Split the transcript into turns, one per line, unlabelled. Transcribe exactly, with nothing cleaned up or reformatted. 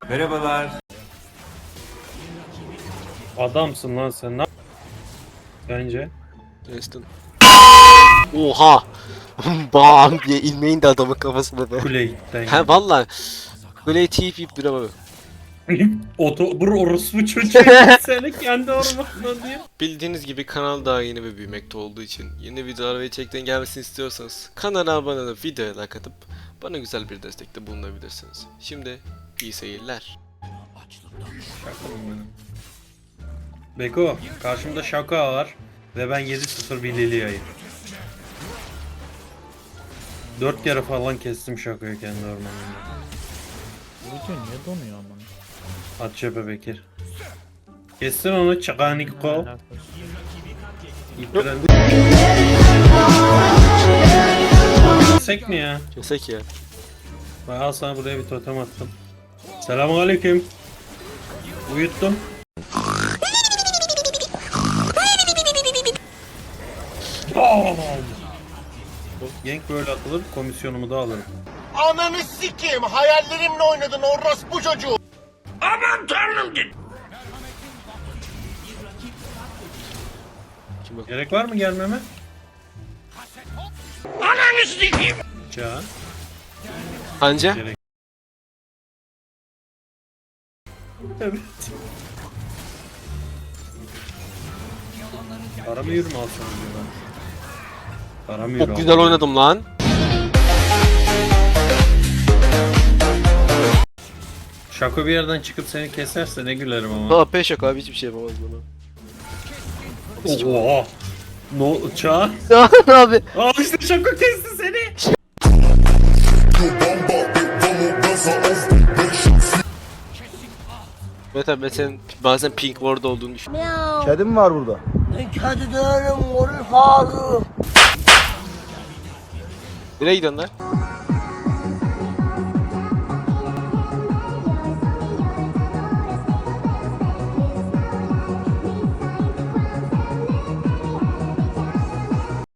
Merhabalar.
Adamsın lan sen. Ne bence?
Destin. Oha! Bam diye ilmeğin de adamın kafasına be.
Kule gitti.
He valla. Böyle tiyip yiyip duramam.
Oto bur orospu çocuğu seni kendi ormanına diye.
Bildiğiniz gibi kanal daha yeni ve büyümekte olduğu için yeni videolar ve içeriklerin gelmesini istiyorsanız kanala abone olup videoya like atıp bana güzel bir destekte bulunabilirsiniz. Şimdi iyi seyirler.
Şaka mı benim? Beko, karşımda şaka var ve ben yedi sıfır bir Lilia'yım. dört kere falan kestim şakayı kendi ormanımda.
Bu video niye donuyor ama?
At cephe Bekir. Kestin onu Çakaniko. İpren. Kesek mi ya?
Kesek ya.
Bak al sana buraya bir totem attım. Selamünaleyküm. Uyuttum. Bam! Gank böyle atılır, komisyonumu da alırım.
Ananı sikeyim, hayallerimle oynadın orospu çocuğu. Aman tanrım git.
Kim bak?
Gerek var mı gelmeme?
Ananı sikeyim.
Can.
Anca?
Gerek. Evet. Para mı yürü mü alsam diyor ben. Para mı yürü
Çok güzel oynadım lan.
Şako bir yerden çıkıp seni keserse ne gülerim ama.
Ha peş yok abi hiçbir şey yapamaz bana.
Oha. No Çağ.
Ya abi.
Aa işte Şako kesti seni.
Evet abi ben senin bazen pink ward olduğunu düşünüyorum.
Kedim var burada.
Kedi değilim, orul fazla.
Nereye gidiyorsun lan?